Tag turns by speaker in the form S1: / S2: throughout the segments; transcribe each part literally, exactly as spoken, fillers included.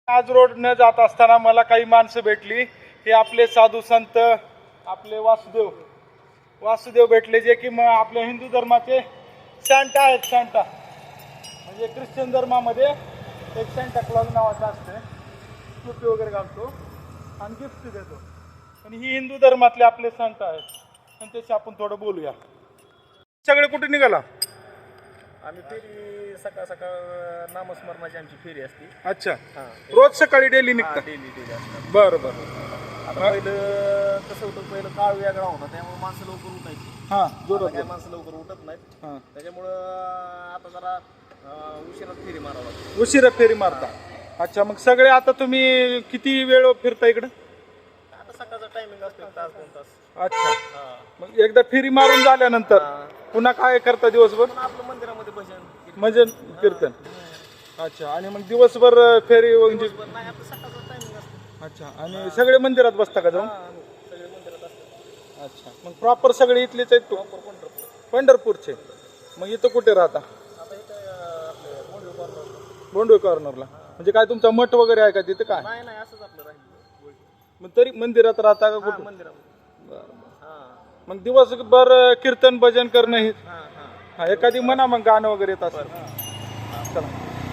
S1: आज रोड न जात असताना मला काही माणसं भेटली. हे आपले साधू संत, आपले वासुदेव वासुदेव भेटले, जे की मग आपल्या हिंदू धर्माचे सॅन्टा आहेत. सॅन्टा म्हणजे ख्रिश्चन धर्मामध्ये एक सॅन्टा क्लॉज नावाचा असते, टोपी वगैरे घालतो आणि गिफ्ट देतो. आणि ही हिंदू धर्मातले आपले सॅन्टा आहेत, आणि त्याशी आपण थोडं बोलूया. सगळे कुठे निघाला?
S2: आम्ही फेरी सकाळ सकाळ नामस्मरणाची आमची फेरी असते.
S1: अच्छा, रोज सकाळी डेली निघतात?
S2: डेली डेली असतात.
S1: बरं बरं.
S2: आता पहिलं कसं होतं, पहिलं काळ वेगळा होता, त्यामुळे माणसं लवकर उठायची.
S1: हां,
S2: आता
S1: जोरात.
S2: काय माणसं लवकर उठत नाहीत.
S1: हां,
S2: त्याच्यामुळं आता जरा उशिरा फेरी मारावं लागते.
S1: उशिरा फेरी मारता. अच्छा, मग सगळे आता तुम्ही किती वेळ फिरता इकडं?
S2: आता सकाळचा टायमिंग असतो एक तास दोन तास.
S1: अच्छा,
S2: हां,
S1: मग एकदा फेरी मारून झाल्यानंतर पुन्हा काय करता दिवसभर?
S2: पण आपलं मंदिरामध्ये भजन
S1: म्हणजे कीर्तन. अच्छा, आणि मग दिवसभर फेरी म्हणजे?
S2: दिवसभर नाही, आपलं सकाळचा टायमिंग असतो.
S1: अच्छा, आणि सगळे मंदिरात बसता का जाऊन?
S2: हां, सगळे मंदिरात असतात.
S1: अच्छा, मग प्रॉपर सगळे इथलेच आहेत तू?
S2: प्रॉपर पंढरपूर.
S1: पंढरपूरचे. मग इथं कुठे राहता?
S2: आता इथं आपलं मोंडवे कॉर्नर.
S1: बोंडवे कॉर्नरला. म्हणजे काय तुमचा मठ वगैरे आहे का तिथे? काय
S2: नाही नाही, असंच आपलं राहिलं.
S1: मग तरी मंदिरात राहता का
S2: हां,
S1: कुठे?
S2: मंदिरामध्ये.
S1: बरं.
S2: हां
S1: मग दिवसभर कीर्तन भजन करणं हे?
S2: हां हां.
S1: हा, एखादी म्हणा मग गाणं वगैरे येत असं. चला.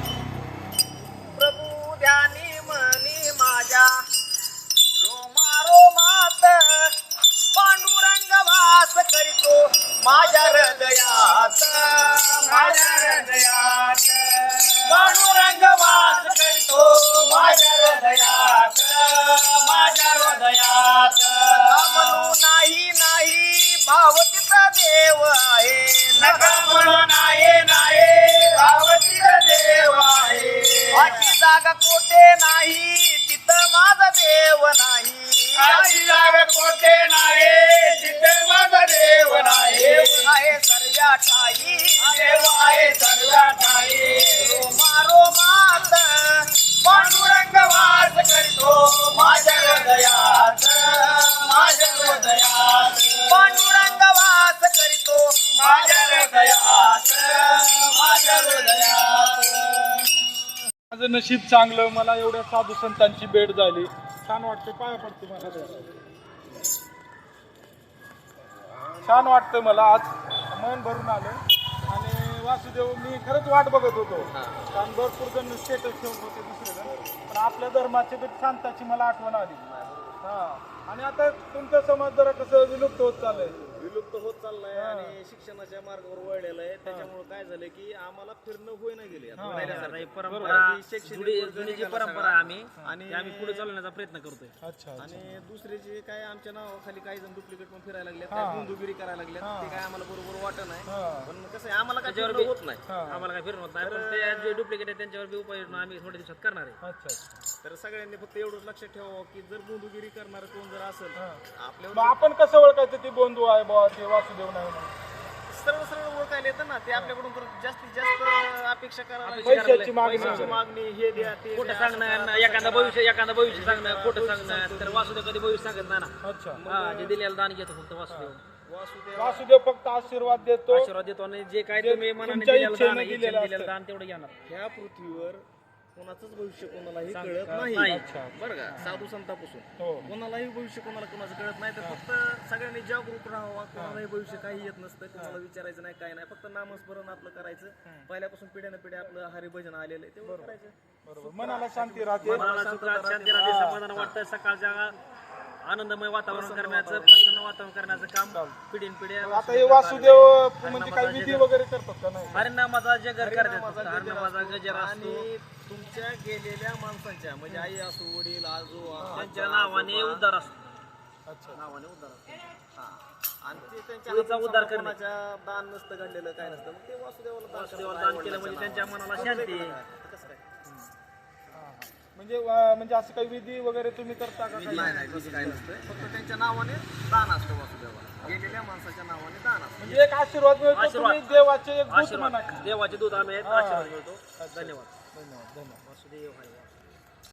S2: प्रभू ध्यानी मनी माझ्या रोमा रोमात पांडुरंग वास करीतो माझ्या हृदयात. माझ्या हृदयात पांडुरंग वास करीतो माझ्या हृदयात. माझ्या हृदयात म्हणू नाही नाही भावतीचा देव आहे. नका म्हणू नाही नाही भावतीचा देव आहे. अशी जागा कोठे नाही तिथं माझा देव नाही. अशी जागा कोठे नाही तिथं माझा देव नाही. आहे सर्व्या ठाई देव आहे सर्व्या ठाई. रोमा रोमात पांडुरंग वास करतो माझ्या हृदयात. माझ्या हृदयात पांडुरंग वास करीतो माझ्या हृदयात. माझ्या हृदयात.
S1: माझं नशीब चांगलं, मला एवढ्या साधू संतांची भेट झाली. छान वाटतं, पाया पडते मला. छान वाटतं मला, आज मन भरून आलं. आणि वासुदेव, मी खरंच वाट बघत होतो, कारण भरपूर जण स्टेटस ठेवत होते दुसरे जण, पण आपल्या धर्माची शांताची मला आठवण आली. हा, आणि आता तुमचा समाज जरा कसं विलुप्त होत चाललंय.
S2: विलुप्त होत चाललाय आणि शिक्षणाच्या मार्गावर वळलेलं आहे. त्याच्यामुळे काय झालं की आम्हाला फिरणं होई ना गेले.
S3: परंपरा जुनी जी परंपरा आम्ही आणि आम्ही पुढे चालवण्याचा प्रयत्न करतोय.
S1: अच्छा,
S2: आणि दुसरे जे काय आमच्या नावाखाली काही जण डुप्लिकेट पण फिरायला लागले, गुंडुगिरी करायला लागले, ते काय आम्हाला बरोबर वाटत नाही. पण कसं आहे, आम्हाला काय फिरणं होत नाही.
S3: आम्हाला काय फिरणं होत नाही, पण ते जे डुप्लिकेट आहे त्यांच्यावर बी उपाययोजना आम्ही थोड्या दिवसात करणार आहे.
S1: अच्छा.
S2: तर सगळ्यांनी फक्त एवढंच लक्षात ठेवावं की जर गुंडुगिरी करणार कोण जर असेल आपल्यावर,
S1: मग आपण कसं ओळखायचं ती बंधू आहे बा, ते वासुदेव नाही म्हणून?
S2: सरळ सरळ ओळखायला येतं ना. ते आपल्याकडून तर जास्तीत जास्त अपेक्षा करायला,
S1: पैशाची मागणी.
S2: पैशाची मागणी, हे द्या ते
S3: खोटं
S2: द्या,
S3: सांगणं, एखादा भविष्य एखादा भविष्य सांगणं, खोटं सांगणं, तर वासुदेव कधी भविष्य सांगत नाही ना.
S1: अच्छा,
S3: हा, जे दिलेलं दान घेतो फक्त वासुदेव.
S2: वासुदेव
S1: वासुदेव फक्त आशीर्वाद देतो.
S3: आशीर्वाद देतो आणि जे काय तुम्ही मनाने
S1: तुमच्या
S3: दिलेलं
S1: इच्छेने
S3: दान,
S1: दिलेलं
S3: इच्छेने
S1: असतं.
S3: दिलेलं दान तेवढं घेणार.
S2: ह्या पृथ्वीवर कोणाचंच भविष्य कोणालाही
S3: सांग-
S2: कळत
S3: नाही.
S2: नाही.
S1: अच्छा.
S2: बरं का, साधू संतापासून
S1: हो.
S2: कोणालाही भविष्य कोणाला कोणाचं कळत नाही. तर फक्त सगळ्यांनी जागरूक राहावं. कोणालाही भविष्य काही येत नसतं, कोणाला विचारायचं नाही, काय नाही. फक्त नामस्मरण आपलं करायचं. पहिल्यापासून पिढ्यानं पिढ्या आपलं हरिभजन आलेलं आहे, तेवढं करायचं.
S1: बरोबर, मनाला शांती राहते.
S3: मनाला सुखात शांती राहते, समाधान वाटतं. सकाळच्या आनंदमय वातावरण करण्याचं, प्रसन्न वातावरण करण्याचं काम पिढीन पिढ्या.
S1: आता हे वासुदेव म्हणजे काही विधी वगैरे करतात का? नाही.
S3: हरिनामाचा जगर करतात,
S2: हरिनामाचा
S3: हरिनामाचा गजर असतो.
S2: आणि तुमच्या गेलेल्या माणसांच्या, म्हणजे आई असो, वडील, आजो,
S3: त्यांच्या नावाने उद्धार असतो.
S1: अच्छा,
S2: नावाने उद्धार असतो. हा, आणि ते त्यांच्या
S3: पुढचा उद्धार करणे.
S2: कोणाच्या दान नसतं घडलेलं, काय नसतं, मग ते वासुदेवाला दान
S3: वासुदेवाला
S2: करतात.
S3: दान केलं म्हणजे त्यांच्या मनाला शांती आहे.
S2: कसं काय?
S1: म्हणजे वा- म्हणजे असं काही विधी वगैरे तुम्ही करता का? काही?
S2: नाही नाही, तसं काय नसतं. फक्त त्यांच्या नावाने दान असतं वासुदेवाला. गेलेल्या माणसाच्या नावाने दान असतं.
S1: म्हणजे एक आशीर्वाद मिळतो.
S3: आशीर्वाद.
S1: तुम्ही देवाचे एक दूत
S3: आशीर्वाद
S1: म्हणा.
S3: देवाचे दूत आम्ही आहेत, आशीर्वाद मिळतो. धन्यवाद.
S1: धन्यवाद, धन्यवाद.
S3: वासुदेव हरी.